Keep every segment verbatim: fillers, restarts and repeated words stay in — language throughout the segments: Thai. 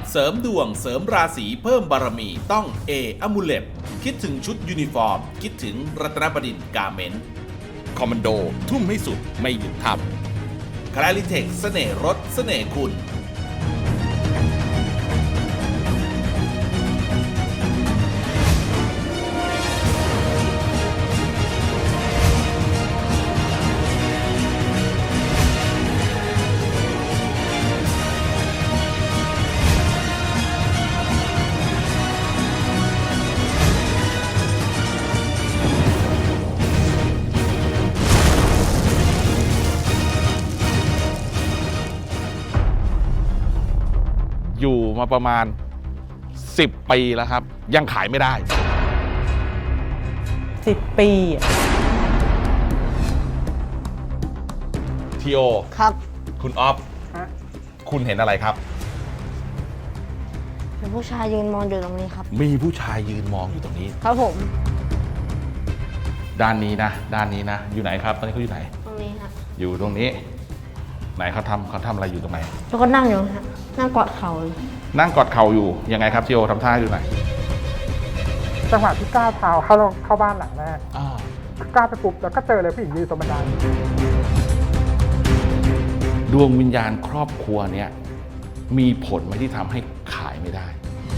เสริมดวงเสริมราศีเพิ่มบารมีต้องเออมูเลตคิดถึงชุดยูนิฟอร์ม คิดถึงรัตนบดินทร์กาเมนต์คอมมานโดทุ่มให้สุดไม่หยุดทำคลาริเทคเสน่ห์รถเสน่ห์คุณอยู่มาประมาณสิบปีแล้วครับยังขายไม่ได้สิบปีทีโอครับคุณออฟคุณเห็นอะไรครับมีผู้ชายยืนมองอยู่ตรงนี้ครับมีผู้ชายยืนมองอยู่ตรงนี้ครับผมด้านนี้นะด้านนี้นะอยู่ไหนครับตอนนี้เขาอยู่ไหนตรงนี้ครับอยู่ตรงนี้ไหนเขาทำเขาทำอะไรอยู่ตรงไหนแล้วก็นั่งอยู่ครับนั่งกอดเข่านั่งกอดเข่าอยู่ยังไงครับทีโอทำท่าอยู่ไหนจังหวะที่ก้าวเท้าเข้าเข้าบ้านหลังแรกก้าวไปปุ๊บแล้วก็เจอเลยผู้หญิงยืนตรงบันไดดวงวิญญาณครอบครัวเนี้ยมีผลไหมที่ทำให้ขายไม่ได้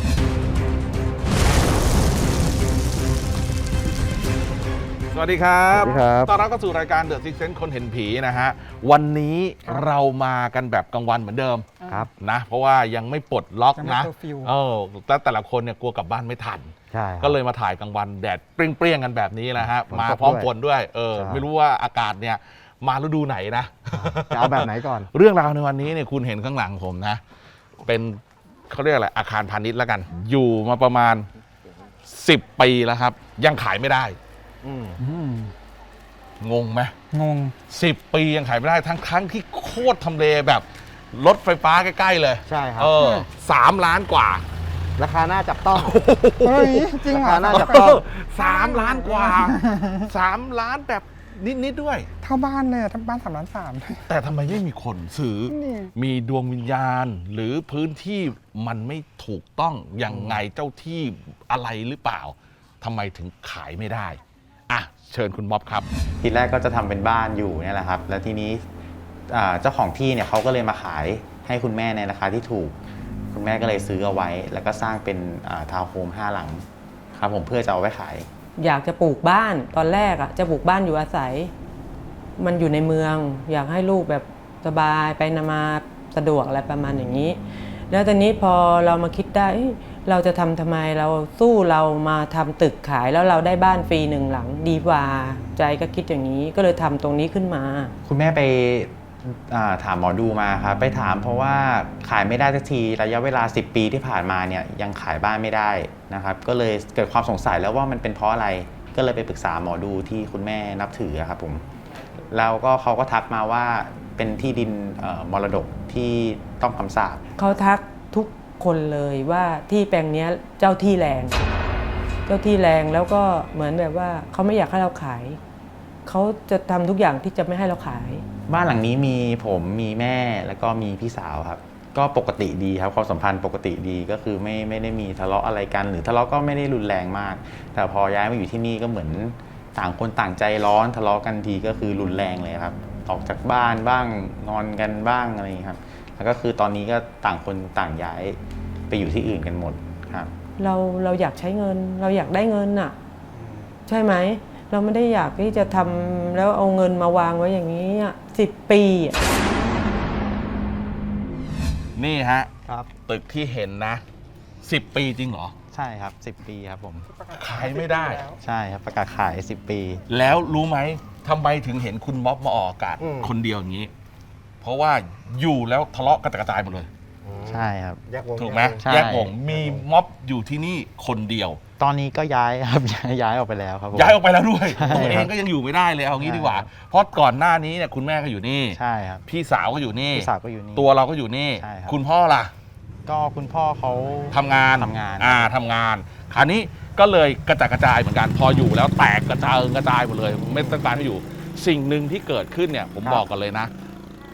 สวัสดีครับต้อนรับเข้าสู่รายการ The Sixth Sense คนเห็นผีนะฮะวันนี้เรามากันแบบกลางวันเหมือนเดิมครับนะเพราะว่ายังไม่ปลดล็อกนะเออแต่แต่ละคนเนี่ยกลัวกลับบ้านไม่ทันก็เลยมาถ่ายกลางวันแดดเปรี้ยงๆกันแบบนี้นะฮะมาพร้อมฝนด้วยเออไม่รู้ว่าอากาศเนี่ยมาฤดูไหนนะจะเอาแบบไหนก่อนเรื่องราวในวันนี้เนี่ยคุณเห็นข้างหลังผมนะเป็นเขาเรียกอะไรอาคารพาณิชย์แล้วกันอยู่มาประมาณสิบปีแล้วครับยังขายไม่ได้งงไหมงงสิบปียังขายไม่ได้ทั้งทั้งที่โคตรทำเลแบบรถไฟฟ้าใกล้ๆเลยใช่ครับเออสามล้านกว่าราคาน่าจับต้องเฮ้ยจริงเหรอราคาน่าจับต้องสามล้านกว่าสามล้านแบบนิดๆด้วยเท่าบ้านเลยทั้งบ้านสามล้านสามแต่ทำไมไม่มีคนซื้อมีดวงวิญญาณหรือพื้นที่มันไม่ถูกต้องยังไงเจ้าที่อะไรหรือเปล่าทำไมถึงขายไม่ได้อ่ะเชิญคุณม็อบครับทีแรกก็จะทำเป็นบ้านอยู่เนี่ยแหละครับแล้วทีนี้เจ้าของที่เนี่ยเขาก็เลยมาขายให้คุณแม่ในราคาที่ถูกคุณแม่ก็เลยซื้อเอาไว้แล้วก็สร้างเป็นทาวน์โฮมห้าหลังครับผมเพื่อจะเอาไว้ขายอยากจะปลูกบ้านตอนแรกอ่ะจะปลูกบ้านอยู่อาศัยมันอยู่ในเมืองอยากให้ลูกแบบสบายไปมาสะดวกอะไรประมาณอย่างนี้แล้วตอนนี้พอเรามาคิดได้เราจะทำทำไมเราสู้เรามาทำตึกขายแล้วเราได้บ้านฟรีหนึ่งหลังดีกว่าใจก็คิดอย่างนี้ก็เลยทำตรงนี้ขึ้นมาคุณแม่ไปถามหมอดูมาครับไปถามเพราะว่าขายไม่ได้สักทีระยะเวลาสิบปีที่ผ่านมาเนี่ยยังขายบ้านไม่ได้นะครับก็เลยเกิดความสงสัยแล้วว่ามันเป็นเพราะอะไรก็เลยไปปรึกษาหมอดูที่คุณแม่นับถือครับผมแล้วก็เขาก็ทักมาว่าเป็นที่ดินมรดกที่ต้องคำสาปเขาทักทุกคนเลยว่าที่แปลงนี้เจ้าที่แรงเจ้าที่แรงแล้วก็เหมือนแบบว่าเขาไม่อยากให้เราขายเขาจะทำทุกอย่างที่จะไม่ให้เราขายบ้านหลังนี้มีผมมีแม่แล้วก็มีพี่สาวครับก็ปกติดีครับความสัมพันธ์ปกติดีก็คือไม่ไม่ได้มีทะเลาะอะไรกันหรือทะเลาะก็ไม่ได้รุนแรงมากแต่พอย้ายมาอยู่ที่นี่ก็เหมือนต่างคนต่างใจร้อนทะเลาะกันทีก็คือรุนแรงเลยครับออกจากบ้านบ้างงอนกันบ้างอะไรอย่างนี้ครับแล้วก็คือตอนนี้ก็ต่างคนต่างย้ายไปอยู่ที่อื่นกันหมดครับเราเราอยากใช้เงินเราอยากได้เงินน่ะใช่ไหมเราไม่ได้อยากที่จะทำแล้วเอาเงินมาวางไว้อย่างนี้สิบปีนี่ฮะตึกที่เห็นนะสิบปีจริงเหรอใช่ครับสิบปีครับผมขายไม่ได้ใช่ครับประกาศขายสิบปีแล้วรู้ไหมทำไมถึงเห็นคุณม็อบมาออกอากาศคนเดียวอย่างนี้เพราะว่าอยู่แล้วทะเลาะกระจายหมดเลยใช่ครับถูกไหมแยกวงมีม็อบอยู่ที่นี่คนเดียวตอนนี้ก็ย้ายครับย้ายออกไปแล้วครับย้ายออกไปแล้วด้วยตัวเองก็ยังอยู่ไม่ได้เลยเอางี้ดีกว่าเพราะก่อนหน้านี้เนี่ยคุณแม่ก็อยู่นี่ใช่ครับพี่สาวก็อยู่นี่พี่สาวก็อยู่นี่ตัวเราก็อยู่นี่คุณพ่อล่ะก็คุณพ่อเขาทำงานทำงานอ่าทำงานคราวนี้ก็เลยกระจายกระจายเหมือนกันพออยู่แล้วแตกกระจายกระจายหมดเลยไม่ต้องการให้อยู่สิ่งหนึ่งที่เกิดขึ้นเนี่ยผมบอกกันเลยนะ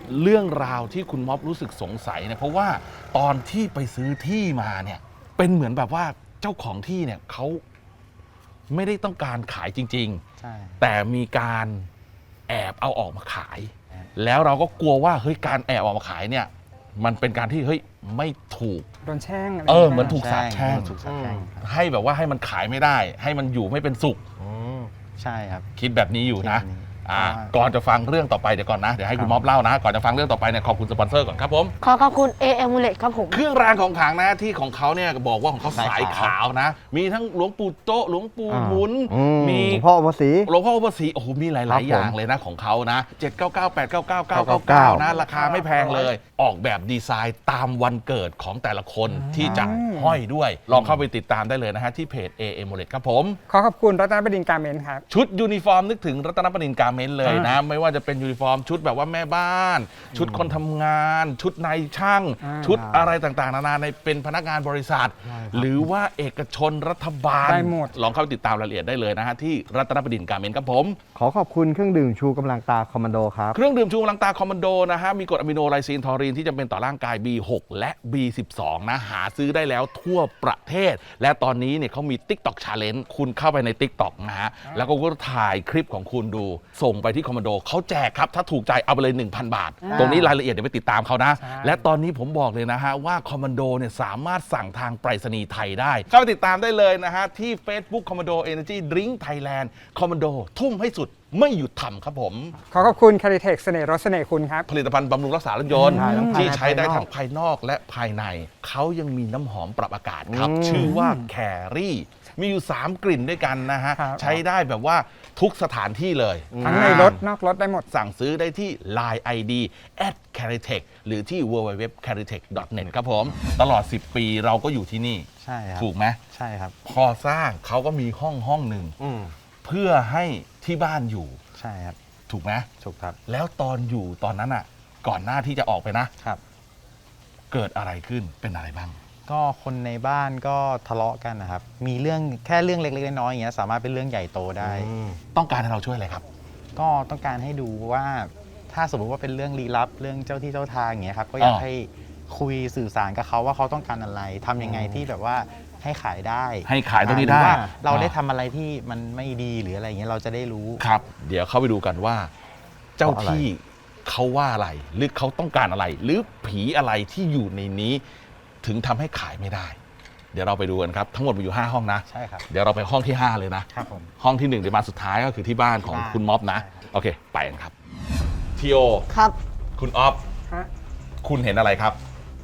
เรื่องราวที่คุณม็อบรู้สึกสงสัยเนี่ยเพราะว่าตอนที่ไปซื้อที่มาเนี่ยเป็นเหมือนแบบว่าเจ้าของที่เนี่ยเขาไม่ได้ต้องการขายจริงใช่ๆ แต่มีการแอบเอาออกมาขาย แล้วเราก็กลัวว่าเฮ้ยการแอบออกมาขายเนี่ยมันเป็นการที่เฮ้ยไม่ถูกโดนแช่งอะไรเออย่างเหมืงี้อนยถูกสาปแช่งถูกสาปแช่งครับให้แบบว่าให้มันขายไม่ได้ ให้มันอยู่ไม่เป็นสุขใช่ครับคิดแบบนี้อยู่นะคิดแบบนี้อ่าเพราะว่าก่อนจะฟังเรื่องต่อไปเดี๋ยวก่อนนะเดี๋ยวให้คุณม็อบเล่านะ ก่อนจะฟังเรื่องต่อไปเนี่ยขอบคุณสปอนเซอร์ก่อนครับผมขอขอบคุณ เอ Amulet ครับผมเครื่องรางของขลังนะที่ของเขาเนี่ยบอกว่าของเขาสาสาย ยขาขาว วนะ มีทั้งหลวงปู่โตะหลวงปู่อ่าหมุนอืมมีหลวงพ่อภาษีหลวงพ่ออุปสีโอ้โหมีหครัลายบๆ อย่างผมเลยนะของเขานะเจ็ด เก้า เก้า แปด เก้า เก้า เก้าเก้าเก้าเก้านะราคาไม่แพงเลย ออกแบบดีไซน์ตามวันเกิดของแต่ละคนที่จะห้อยด้วย ลองเข้าไปติดตามได้เลยนะฮะที่เพจ เอ Amulet ครับผมขอขอบคุณรัตนบดินทร์การเมนต์ครับชุดยูนิฟอร์มนึกถึงรัตนประดินการเมนต์เลยนะ ไม่ว่าจะเป็นยูนิฟอร์มชุดแบบว่าแม่บ้าน ชุดคนทำงาน ชุดนายช่างอ่าชุดอะไรต่างๆ นานาในเป็นพนักงานบริษัท หรือว่าเอกชนรัฐบาลได้หมดลองเข้าไปติดตามรายละเอียดได้เลยนะฮะที่รัตนประดินการเมนต์ครับผมขอขอบคุณเครื่องดื่มชูกำลังตาคอมมานโดครับเครื่องดื่มชูกำลังตาคอมมานโดนะฮะมีกรดอะมิโนไลซีนทอรีนที่จำเป็นต่อร่างกาย บี หก และ บี สิบสอง นะหาซื้อได้แล้วทั่วประเทศ และตอนนี้เนี่ยเขามี TikTok Challenge คุณเข้าไปใน TikTok นะฮะแล้วก็ถ่ายคลิปของคุณดู ส่งไปที่คอมมานโดเขาแจกครับ ถ้าถูกใจเอาไปเลย หนึ่งพัน บาท ตรงนี้รายละเอียดเดี๋ยวไปติดตามเขานะใช่และตอนนี้ผมบอกเลยนะฮะว่าคอมมานโดเนี่ยสามารถสั่งทางไปรษณีย์ไทยได้เข้าไปติดตามได้เลยนะฮะที่ Facebook Commando Energy Drink Thailand คอมมานโดทุ่มให้สุดไม่หยุดทำครับผมขอขอบคุณคาริเทคเสน่ห์รสเสน่ห์คุณครับผลิตภัณฑ์บำรุงรักษารถยนต์ใช่ทั้งภายในที่ใช้ได้ภายนอกทั้งภายนอกและภายใน เขายังมีน้ำหอมปรับอากาศครับอืมชื่อว่าแครี่ มีอยู่ สาม กลิ่นด้วยกันนะฮะครับใช้ได้แบบว่าทุกสถานที่เลยทั้งในรถนอกรถได้หมดสั่งซื้อได้ที่ ไลน์ ไอ ดี แอท แคริเทค หรือที่ ดับเบิลยู ดับเบิลยู ดับเบิลยู ดอท แคริเทค ดอท เน็ต ครับผม ตลอด สิบ ปีเราก็อยู่ที่นี่ใช่ครับถูกไหมใช่ครับพอสร้างเขาก็มีห้องห้องหนึ่งอืมเพื่อให้ที่บ้านอยู่ใช่ครับถูกไหมถูกครับแล้วตอนอยู่ตอนนั้นอ่ะ ก่อนหน้าที่จะออกไปนะครับเกิดอะไรขึ้นเป็นอะไรบ้างก็คนในบ้านก็ทะเลาะกันนะครับ มีเรื่องแค่เรื่องเล็กๆน้อยๆอย่างเงี้ยสามารถเป็นเรื่องใหญ่โตได้ต้องการให้เราช่วยอะไรครับก็ต้องการให้ดูว่าถ้าสมมติว่าเป็นเรื่องลี้ลับเรื่องเจ้าที่เจ้าทางอย่างเงี้ยครับก็อยากอ่าให้คุยสื่อสารกับเขาว่าเขาต้องการอะไรทำยังไงที่แบบว่าให้ขายได้ให้ขายตรงนี้หรือได้ว่าเราได้อ่ทำอะไรที่มันไม่ดีหรืออะไรอย่างเงี้ยเราจะได้รู้ครับ เดี๋ยวเข้าไปดูกันว่า เจ้าที่เขาว่าอะไร หรือเขาต้องการอะไร หรือผีอะไรที่อยู่ในนี้ ถึงทำให้ขายไม่ได้ เดี๋ยวเราไปดูกันครับ ทั้งหมดมีอยู่ห้าห้องนะใช่ครับเดี๋ยวเราไปห้องที่ห้าเลยนะครับผมห้องที่หนึ่งเดี๋ยวมาสุดท้ายก็คือที่บ้านของที่บ้านคุณม็อบนะใช่ครับโอเค ไปกันครับทีโอครับคุณออฟฮะคุณเห็นอะไรครับ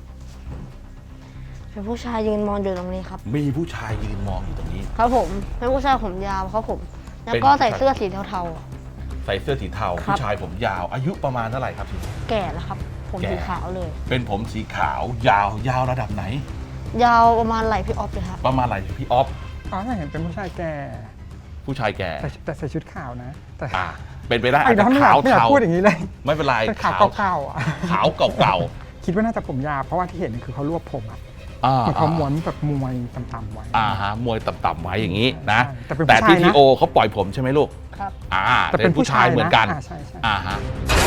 เป็นผู้ชายยืนมองอยู่ตรงนี้ครับมีผู้ชายยืนมองอยู่ตรงนี้ครับผม เป็นผู้ชายผมยาวครับผม แล้วเป็นก็ผู้ชายใส่เสื้อสีเทาๆอะใส่เสื้อสีเทาครับผู้ชายผมยาว อายุประมาณเท่าไหร่ครับทีแก่แล้วครับ ผมแก่สีขาวเลยเป็นผมสีขาวยาวยาวระดับไหนยาวประมาณไหล่พี่ออฟเลยครับประมาณอะไรพี่ออฟอ๋อไม่เห็นเป็นผู้ชายแก่ผู้ชายแก่แต่แต่ใส่ชุดขาวนะ แต่อ่าเป็นไปได้ไอ้อาจจะน้องไม่อยาขาก วไม่อยากเทาพูดอย่างนี้เลยไม่เป็นไรเป็นขาวเก่าๆอ่ะขาวเก่าคิดว่าน่าจะผมยาวเพราะว่าที่เห็นคือเขารวบผมอ่ะๆอ่าเหมือนเขาม้วนแบบมวยต่ำๆไว้อ่าฮะมวยต่ำๆไว้อย่างนี้นะแต่เป็นผู้แต่ที่ชายนะทีโอเขาปล่อยผมใช่ไหมลูกครับอ่าแต่เป็นผู้ชายเหมือนกันอ่าใช่ใช่อ่าฮะ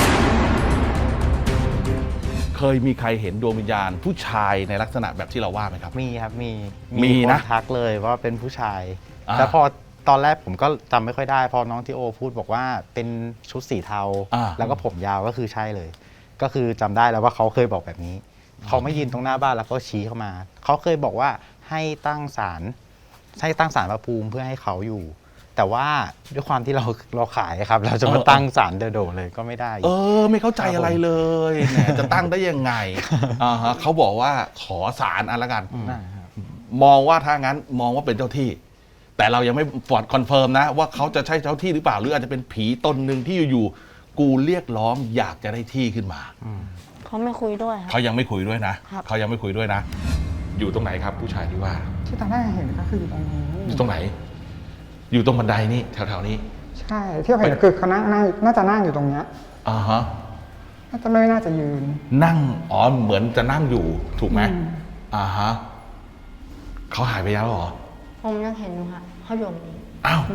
เคยมีใครเห็นดวงวิญญาณ ผู้ชายในลักษณะแบบที่เราว่าไหมครับมีครับมีมีนะคทักเลยว่าเป็นผู้ชายอ่าแล้วพอตอนแรกผมก็จำไม่ค่อยได้ พอน้องทีโอพูดบอกว่าเป็นชุดสีเทาอ่าแล้วก็ผมยาวก็คือใช่เลย ก็คือจำได้แล้วว่าเขาเคยบอกแบบนี้ เขาไม่ยืนตรงหน้าบ้านแล้วก็ชี้เข้ามา เขาเคยบอกว่าให้ตั้งศาลให้ตั้งศาลพระภูมิเพื่อให้เขาอยู่ แต่ว่าด้วยความที่เราเราขายครับ เราจะมาตั้งศาลโดดๆเลยก็ไม่ได้เออ ไม่เข้าใจอะไรเลยแหมจะตั้งได้ยังไงอ่าฮะเขาบอกว่าขอสารอันละกัน มองว่าถ้างั้นมองว่าเป็นเจ้าที่ แต่เรายังไม่ฟอร์ดคอนเฟิร์มนะ ว่าเขาจะใช่เจ้าที่หรือเปล่า หรืออาจจะเป็นผีตนหนึ่งที่อยู่ๆกูเรียกร้องอยากจะได้ที่ขึ้นมาเขาไม่คุยด้วยครับเขายังไม่คุยด้วยนะครับ เขายังไม่คุยด้วยนะ อยู่ตรงไหนครับ ผู้ชายที่ว่าที่ตอนแรกเห็นก็คืออยู่ตรงนี้อยู่ตรงไหน อยู่ตรงบันไดนี่แถวๆนี้ใช่ที่เราเห็นคือเขานั่งนั่งน่าจะนั่งอยู่ตรงเนี้ยอ่าฮะน่าจะไม่น่าจะยืนนั่งอ๋อเหมือนจะนั่งอยู่ถูกไหมอืมอ่าฮะเขาหายไปแล้วเหรอผมยังเห็นอยู่ค่ะเขาอยู่ตรงนี้อ้าว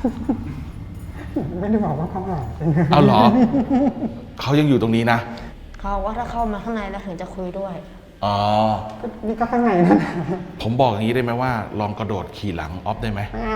ไม่ได้บอกว่าเขาหายไปเอาเหรอ เขายังอยู่ตรงนี้นะเขาบอกว่าถ้าเข้ามาข้างในแล้วถึงจะคุยด้วยอ๋อนี่ก็ข้างในนั่นแหละผมบอกอย่างนี้ได้ไหมว่า ลองกระโดดขี่หลังออฟได้ไหมเอา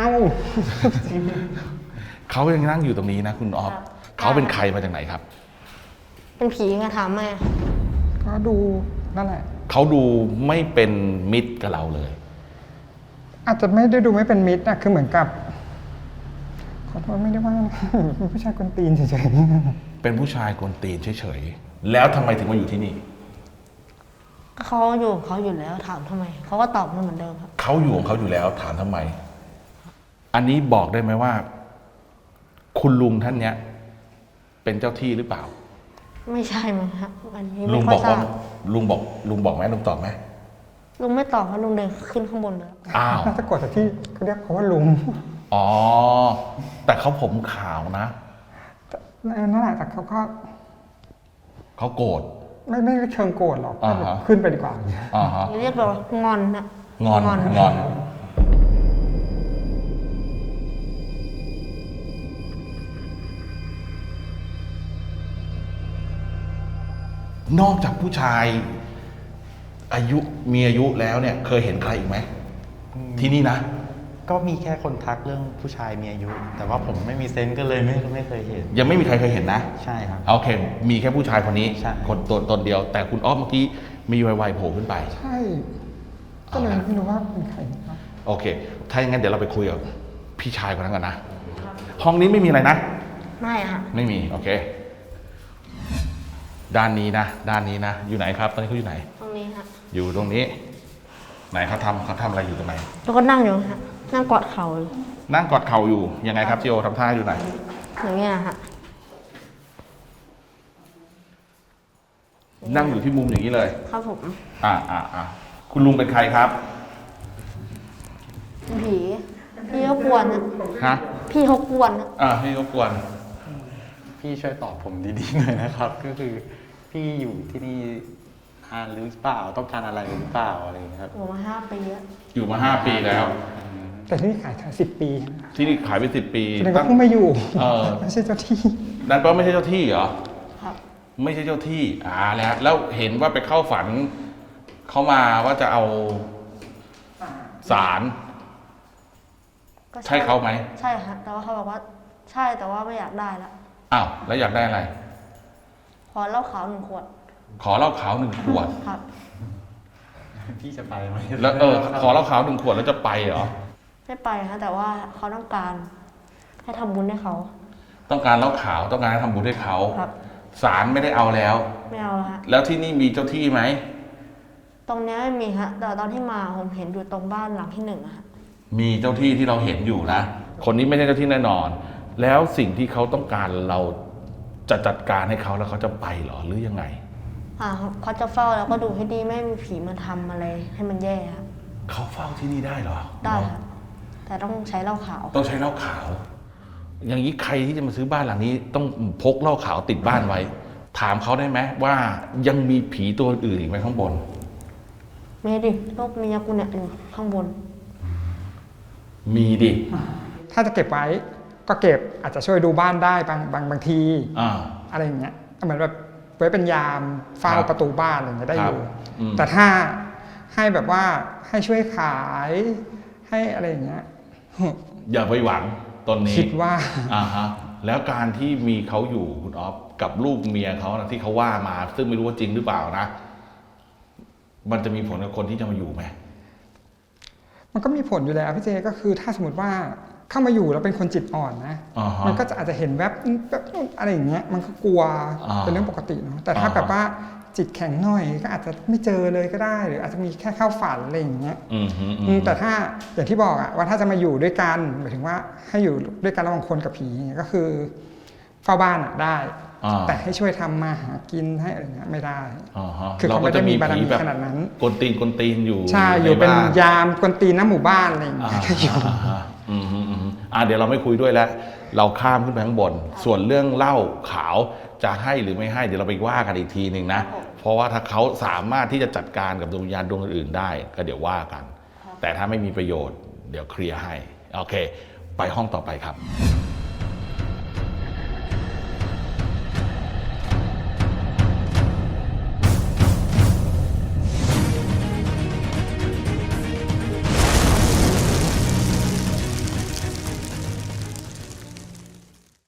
เขายังนั่งอยู่ตรงนี้นะคุณออฟครับเขาเป็นใครมาจากไหนครับเป็นผีไงถามแม่ก็ดูนั่นแหละเขาดูไม่เป็นมิตรกับเราเลยอาจจะไม่ได้ดูไม่เป็นมิตรนะคือเหมือนกับ ขอโทษไม่ได้ว่านะ เป็นผู้ชายคนตีนเฉยเป็นผู้ชายกวนตีนเฉยๆ แล้วทำไมถึงมาอยู่ที่นี่เขาอยู่ของเขาอยู่แล้วถามทำไม เขาก็ตอบมาเหมือนเดิมครับเขาอยู่ของเขาอยู่แล้วถามทำไม อันนี้บอกได้ไหมว่า คุณลุงท่านเนี้ย เป็นเจ้าที่หรือเปล่าไม่ใช่มั้งครับอันนี้ลุไม่งค่อบ ยทราอกว่าบลุงบอกลุงบอกไหมลุงตอบไหมลุงไม่ตอบเพราะลุงเดินขึ้นข้างบนเลยอ้าวๆน่าจะกดจากที่เขาเรียกเขาว่าลุงอ๋อ แต่เขาผมขาวนะนั่นแหละแต่เขาก็เขาโกรธไม่ไม่ได้เชิงโกรธหรอกอ่าฮะขึ้นไปดีกว่าอ่าฮะเรียกแบบว่างอนนะงอนงอน นอกจากผู้ชาย อายุมีอายุแล้วเนี่ย เคยเห็นใครอีกไหม ที่นี่นะก็มีแค่คนทักเรื่องผู้ชายมีอายุ แต่ว่าผมไม่มีเซนส์ก็เลยไม่ไม่เคยเห็นยังไม่มีใครเคยเห็นนะใช่ครับโอเค มีแค่ผู้ชายคนนี้ใช่คนตัวตนเดียว แต่คุณอ้อมเมื่อกี้มีไวๆโผล่ขึ้นไปใช่ ก็เลยไม่รู้ว่าเป็นใครครับโอเค ถ้าอย่างนั้นเดี๋ยวเราไปคุยกับพี่ชายคนนั้นกันนะ ห้องนี้ไม่มีอะไรนะไม่อะค่ะไม่มี โอเค ด้านนี้นะ ด้านนี้นะ อยู่ไหนครับ ตอนนี้เขาอยู่ไหนตรงนี้ฮะอยู่ตรงนี้ ไหนเขาทำเขาทำอะไรอยู่ตรงไหนแล้วก็นั่งอยู่ฮะนั่งกอดเข่าอยู่นั่งกอดเข่าอยู่ ยังไงครับจิโอทำท่าอยู่ไหนอย่างเงี้ยฮะนั่งอยู่ที่มุมอย่างนี้เลยครับผมอ่าอ่าอ่าคุณลุงเป็นใครครับเป็นผีพี่เขากวนนะฮะพี่เขากวนนะอ่าพี่รบกวนพี่ช่วยตอบผมดีๆหน่อยนะครับ ก็คือพี่อยู่ที่นี่นานหรือเปล่าต้องการอะไรหรือเปล่าอะไรอย่างเงี้ยครับผมมาห้าปีแล้วอยู่มาห้าปีแล้วแต่ที่นี่ขายถึงสิบปีนะที่นี่ขายไปสิบปีแสดงว่าเพิ่งมาอยู่เออไม่ใช่เจ้าที่นั่นแปลว่าไม่ใช่เจ้าที่เหรอครับไม่ใช่เจ้าที่ อ่า แล้ว แล้วเห็นว่าไปเข้าฝัน เขามาว่าจะเอาสารก็ใช่เขาไหมใช่ฮะแต่ว่าเขาบอกว่า ใช่แต่ว่าไม่อยากได้ละอ้าว แล้วอยากได้อะไรขอเหล้าขาวหนึ่งขวดขอเหล้าขาวหนึ่งขวดครับพี่จะไปไหมแล้วเออ ขอเหล้าขาวหนึ่งขวดแล้วจะไปเหรอไม่ไปฮะแต่ว่าเขาต้องการให้ทำบุญให้เขาต้องการเหล้าขาว ต้องการให้ทำบุญให้เขาครับสารไม่ได้เอาแล้วไม่เอาละฮะแล้วที่นี่มีเจ้าที่ไหมตรงเนี้ยไม่มีฮะแต่ตอนที่มาผมเห็นอยู่ตรงบ้านหลังที่หนึ่งอะฮะมีเจ้าที่ที่เราเห็นอยู่นะ คนนี้ไม่ใช่เจ้าที่แน่นอน แล้วสิ่งที่เขาต้องการเราจะจัดการให้เขาแล้วเขาจะไปเหรอหรือยังไงอ่าครับเขาจะเฝ้าแล้วก็ดูให้ดีไม่ให้มีผีมาทำอะไรให้มันแย่ครับเขาเฝ้าที่นี่ได้เหรอได้ครับแต่ต้องใช้เหล้าขาวต้องใช้เหล้าขาว อย่างนี้ใครที่จะมาซื้อบ้านหลังนี้ ต้องพกเหล้าขาวติดบ้านไว้ ถามเขาได้ไหมว่ายังมีผีตัวอื่นอีกไหมข้างบนไม่ดิรูปเมียกูเนี่ยอยู่ข้างบนมีดิถ้าจะเก็บไว้ก็เก็บอาจจะช่วยดูบ้านได้บางบางบางทีอ่าอะไรอย่างเงี้ยเหมือนแบบไว้เป็นยามเฝ้าครับประตูบ้านอะไรอย่างเงี้ยได้อยู่ครับอืมแต่ถ้าให้แบบว่าให้ช่วยขายให้อะไรอย่างเงี้ยอย่าไปหวังตนนี้คิดว่าอ่าฮะ แล้วการที่มีเขาอยู่คุณออฟกับลูกเมียเขานะที่เขาว่ามา ซึ่งไม่รู้ว่าจริงหรือเปล่านะ มันจะมีผลกับคนที่จะมาอยู่ไหมมันก็มีผลอยู่แล้วพี่เจก็คือถ้าสมมติว่าเข้ามาอยู่แล้วเป็นคนจิตอ่อนนะอ่าฮะมันก็จะอาจจะเห็นแวบแวบนู่นอะไรอย่างเงี้ยมันก็กลัวอ่าเป็นเรื่องปกติเนาะแต่ถ้าอ่าฮะแบบว่าจิตแข็งหน่อยก็อาจจะไม่เจอเลยก็ได้ หรืออาจจะมีแค่เข้าฝันอะไรอย่างเงี้ยอืมฮึอืมอืมแต่ถ้าอย่างที่บอกอะว่าถ้าจะมาอยู่ด้วยกันหมายถึงว่าให้อยู่ด้วยกันระหว่างคนกับผีอย่างเงี้ยก็คือเฝ้าบ้านอะได้อ่าแต่ให้ช่วยทำมาหากินให้อะไรเงี้ยไม่ได้อ่าฮะคือเขาไม่ได้มีบารมีขนาดนั้นกวนตีนกวนตีนอยู่ใช่อยู่เป็นใบ้ยามกวนตีนน้ำหมู่บ้านอะไรอย่างอ่าเงี้ยก็อยู่อ่าฮะอืมฮึอืมฮึอ่าเดี๋ยวเราไม่คุยด้วยแล้ว เราข้ามขึ้นไปข้างบน ส่วนเรื่องเหล้าขาวจะให้หรือไม่ให้เดี๋ยวเราไปว่ากันอีกทีหนึ่งนะ เพราะว่าถ้าเขาสามารถที่จะจัดการกับดวงวิญญาณดวงอื่นๆได้ ก็เดี๋ยวว่ากัน แต่ถ้าไม่มีประโยชน์ เดี๋ยวเคลียร์ให้ โอเค ไปห้องต่อไปครับ